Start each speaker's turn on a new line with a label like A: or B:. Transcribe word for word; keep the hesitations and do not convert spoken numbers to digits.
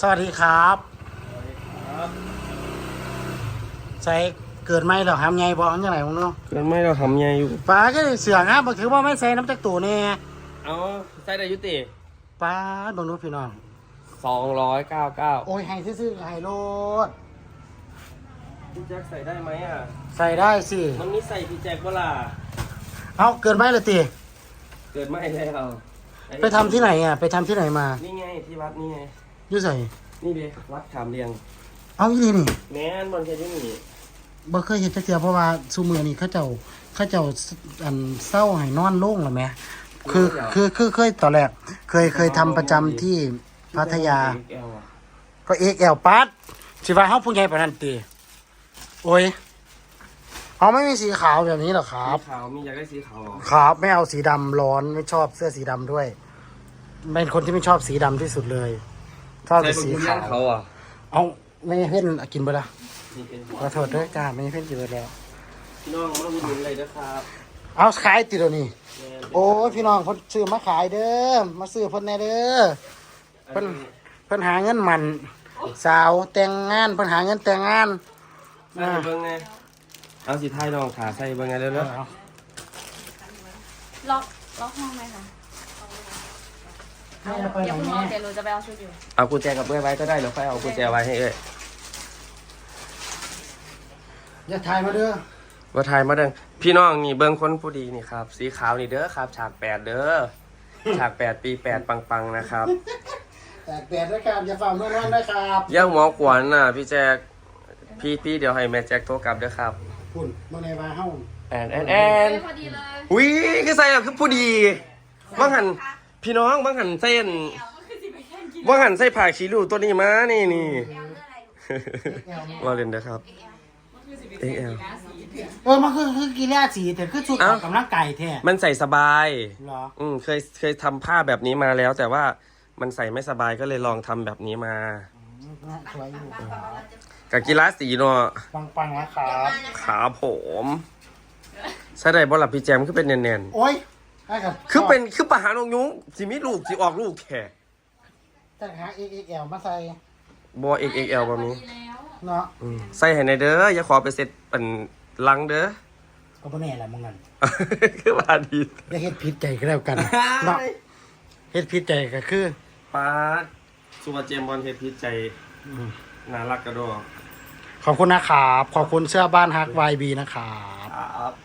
A: สวัสดีครับใส่เกิดไม่หรอทำไงบอกยังไงมึงเนาะ
B: เกินไม่เราทำไงอยู่
A: ป้าก็เสือกฮะบอกถือว่าไม่ใส่น้ำจักตัวเนี่ย
B: เอาใส่ได้ยุติ
A: ป้าบังดูพี่น้อง
B: สองร้อยเก้าเก้า
A: โอ้ยไฮซื่อๆไฮโรด
B: พี่แจ็คใส่ได้ไหมอ่ะ
A: ใส่ได้สิ
B: มันมีใส่พี่แจ็คเวลา
A: เอาเกิดไม่เลยตี
B: เกิดไม่แล้ว
A: ไปทำที่ไหนอ่ะไปทำที่ไหนมา
B: นี่ไงที่วัดนี่ไง
A: ยุ่ใส่
B: นี่เด้วัดขามเรียง
A: เอาอีนี่นี่
B: แม่นบอลแค่ที่นี่
A: บ่เคยเห็นจักเทื่อเพราะว่าซูมือนี่เขาเจ้าเขาเจ้าอันเศร้าให้นอนโล่งหรือไหมคือคือคือเคยตอนแรกเคยเคยทำประจำที่พัทยาก็เอ็กแอลปัดสิว่าเฮาผู้ใหญ่ปานนั้นติโอ้ยเขาไม่มีสีขาวแบบนี้หรอครับ
B: สีขาวมีอยากได้สีขาว
A: ครับไม่เอาสีดำร้อนไม่ชอบเสื้อสีดำด้วยเป็นคนที่ไม่ชอบสีดำที่สุดเลยชอบแต่สีขาว
B: เขาอ่ะ
A: เอาไม่เพ่นกินไปละขอโทษด้วยจ้าไม่เพ่นกินไปแล้ว
B: พี่น้องมาอุดหนุนเลยนะครับ
A: เอาขายติดแล้วนี่โอ้ยพี่น้องเพิ่นซื้อมาขายเด้อมาซื้อเพิ่นแน่เด้อเพิ่นเพิ่นหาเงินมันสาวแต่งงานเพิ่นหาเงินแต่งงาน
B: ใส่เบิ้งไงเอาสีไทยลองขาใส่เบิ้งไงเร็วๆ
C: ล็อกล็อกห้องไหมคะเดี๋ยวคุณมองเดี๋ยวหนูจะไปเอาชุดอยู่
B: เอากุญแจกับเบื้องไว้ก็ได้หรือค่อยเอากุญแจไว้ให้เอ้ย
A: อย่าถ่ายมาเด้อ
B: ว่าถ่ายมาเด้อพี่น้องนี่เบิ้งคนผู้ดีนี่ครับสีขาวนี่เด้อครับฉากแปดเด้อฉากแปดปีแปดปังๆนะครับ
A: แปดแปดด้วยครับอย่าฝ่ามือร้อนด้วยครับ
B: ย่าหมอกวนน่ะพี่แจ็คพี่พี่เดี๋ยวให้แม่แจ็คโทรกลับเด้อครับ
A: คุณมาในบ้านเฮา
B: แอนแอนแอน
C: พอดีเลย
B: อุ้ยคือใส่แบบคือผู้ดีบางหันพี่น้องบางหันเส้นบางหันใส่ผ้าขี้ริ้วตัวนี้มานี่นี่เราเล่นเด้อครับเอ็กแอล
A: เออมันคือคือกีฬาสีแต่คือชุดออกกำลังกายแท้
B: มันใส่สบาย
A: เหรอ
B: อืมเคยเคยทำผ้าแบบนี้มาแล้วแต่ว่ามันใส่ไม่สบายก็เลยลองทำแบบนี้มา
A: สวยอยู่
B: กับกีฬาสีเนาะ
A: ปังๆนะครับ
B: ขาผมใช่ได้บอลลับพี่แจมคือเป็นแน่น
A: ๆโอ้ย
B: คือเป็นคือปะหานงยุ้งสิมีลูกสิออกลูกแค่
A: แต่หา เอ็ก เอ็ก แอล มาใส่
B: บอ เอ็ก เอ็ก แอล แบบนี้
A: เนาะ
B: ใส่ให้ในเด้ออย่าขอไปเสร็จเป็นลังเด้อ
A: ก็บ่แน่แหละมึงนั่น
B: คือว่าดี
A: อย่าเฮ็ดผิดใจก็แล้วกันเนาะเฮ็ดผิดใจก็คือ
B: ป้าสุวรรณเจมบอลเฮ็ดผิดใจน่ารักกระโดด
A: ขอบคุณนะครับขอบคุณเสื้อบ้านฮัก วาย บี นะครับ